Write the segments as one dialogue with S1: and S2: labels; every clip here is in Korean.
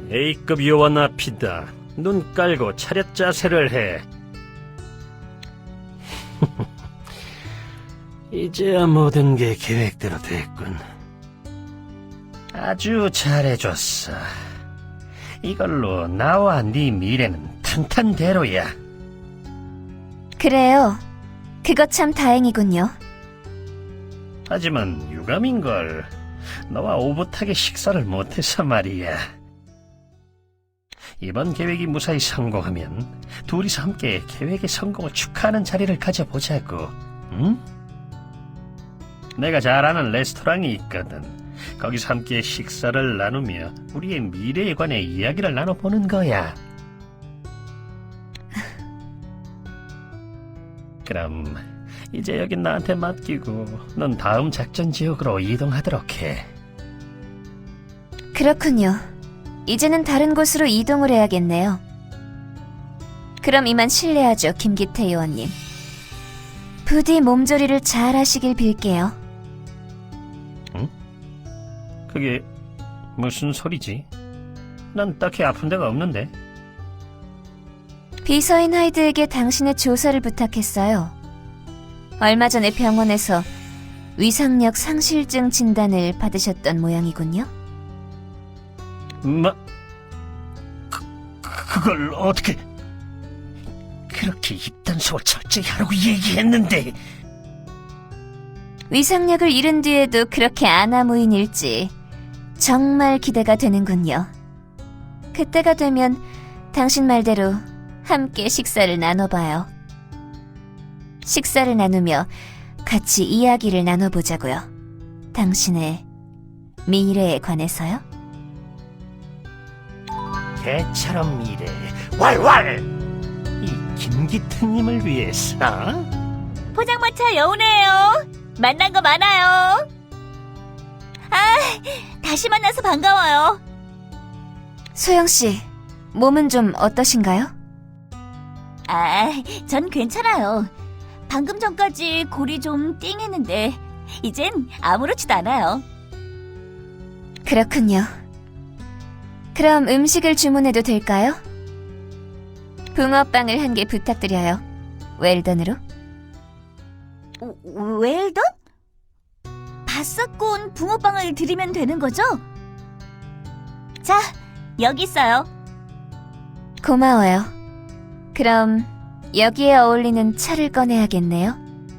S1: A급 요원 앞이다. 눈 깔고 차렷 자세를 해. 이제야 모든 게 계획대로 됐군. 아주 잘해줬어. 이걸로 나와 네 미래는 탄탄대로야.
S2: 그래요. 그거 참 다행이군요.
S1: 하지만 유감인걸. 너와 오붓하게 식사를 못해서 말이야. 이번 계획이 무사히 성공하면 둘이서 함께 계획의 성공을 축하하는 자리를 가져보자고. 응? 내가 잘 아는 레스토랑이 있거든. 거기서 함께 식사를 나누며 우리의 미래에 관해 이야기를 나눠보는 거야. 그럼 이제 여긴 나한테 맡기고 넌 다음 작전 지역으로 이동하도록 해.
S2: 그렇군요. 이제는 다른 곳으로 이동을 해야겠네요. 그럼 이만 실례하죠, 김기태 의원님. 부디 몸조리를 잘 하시길 빌게요.
S1: 응? 그게 무슨 소리지? 난 딱히 아픈 데가 없는데.
S2: 비서인 하이드에게 당신의 조사를 부탁했어요. 얼마 전에 병원에서 위상력 상실증 진단을 받으셨던 모양이군요.
S1: 그걸 어떻게... 그렇게 입단속을 철저히 하라고 얘기했는데...
S2: 위상력을 잃은 뒤에도 그렇게 아나무인일지 정말 기대가 되는군요. 그때가 되면 당신 말대로 함께 식사를 나눠봐요. 식사를 나누며 같이 이야기를 나눠보자고요. 당신의 미래에 관해서요.
S1: 개처럼 미래 왈왈! 이 김기태님을 위해서.
S3: 포장마차 여운이에요. 만난 거 많아요. 다시 만나서 반가워요.
S2: 소영씨, 몸은 좀 어떠신가요?
S3: 전 괜찮아요. 방금 전까지 골이 좀 띵했는데 이젠 아무렇지도 않아요.
S2: 그렇군요. 그럼 음식을 주문해도 될까요? 붕어빵을 한 개 부탁드려요. 웰던으로.
S3: 웰던? 바싹 구운 붕어빵을 드리면 되는 거죠? 자, 여기 있어요.
S2: 고마워요. 그럼 여기에 어울리는 차를 꺼내야겠네요.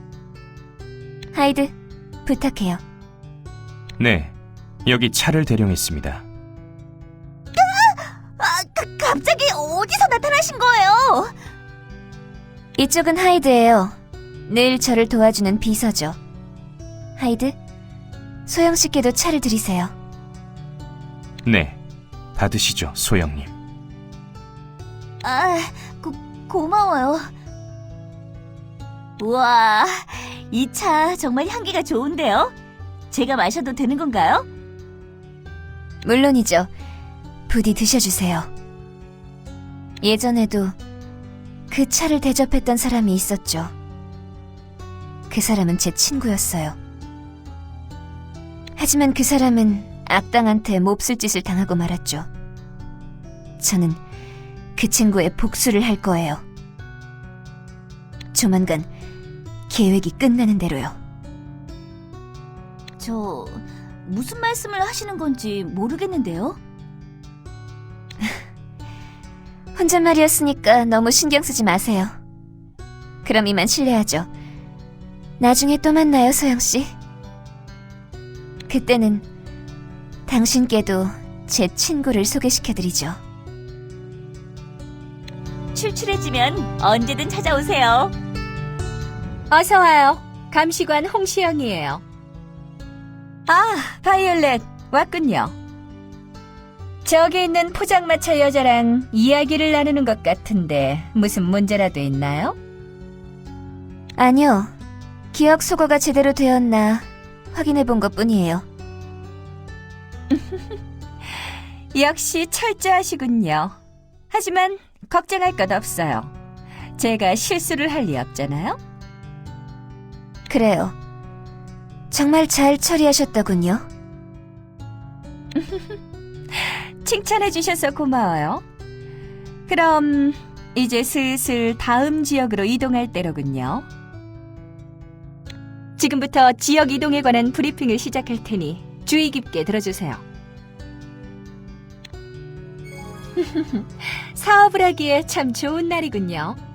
S2: 하이드, 부탁해요.
S4: 네, 여기 차를 대령했습니다.
S3: 갑자기 어디서 나타나신 거예요?
S2: 이쪽은 하이드예요. 늘 저를 도와주는 비서죠. 하이드, 소영씨께도 차를 드리세요.
S4: 네, 받으시죠, 소영님.
S3: 고마워요. 우와, 이 차 정말 향기가 좋은데요? 제가 마셔도 되는 건가요?
S2: 물론이죠. 부디 드셔주세요. 예전에도 그 차를 대접했던 사람이 있었죠. 그 사람은 제 친구였어요. 하지만 그 사람은 악당한테 몹쓸 짓을 당하고 말았죠. 저는 그 친구의 복수를 할 거예요. 조만간 계획이 끝나는 대로요.
S3: 저 무슨 말씀을 하시는 건지 모르겠는데요?
S2: 혼잣말이었으니까 너무 신경 쓰지 마세요. 그럼 이만 실례하죠. 나중에 또 만나요, 소영씨. 그때는 당신께도 제 친구를 소개시켜드리죠.
S3: 출출해지면 언제든 찾아오세요.
S5: 어서 와요. 감시관 홍시영이에요. 바이올렛 왔군요. 저기 있는 포장마차 여자랑 이야기를 나누는 것 같은데 무슨 문제라도 있나요?
S2: 아니요. 기억 소거가 제대로 되었나 확인해 본 것뿐이에요.
S5: 역시 철저하시군요. 하지만 걱정할 것 없어요. 제가 실수를 할 리 없잖아요.
S2: 그래요. 정말 잘 처리하셨더군요.
S5: 칭찬해 주셔서 고마워요. 그럼 이제 슬슬 다음 지역으로 이동할 때로군요. 지금부터 지역 이동에 관한 브리핑을 시작할 테니 주의 깊게 들어주세요. 사업을 하기에 참 좋은 날이군요.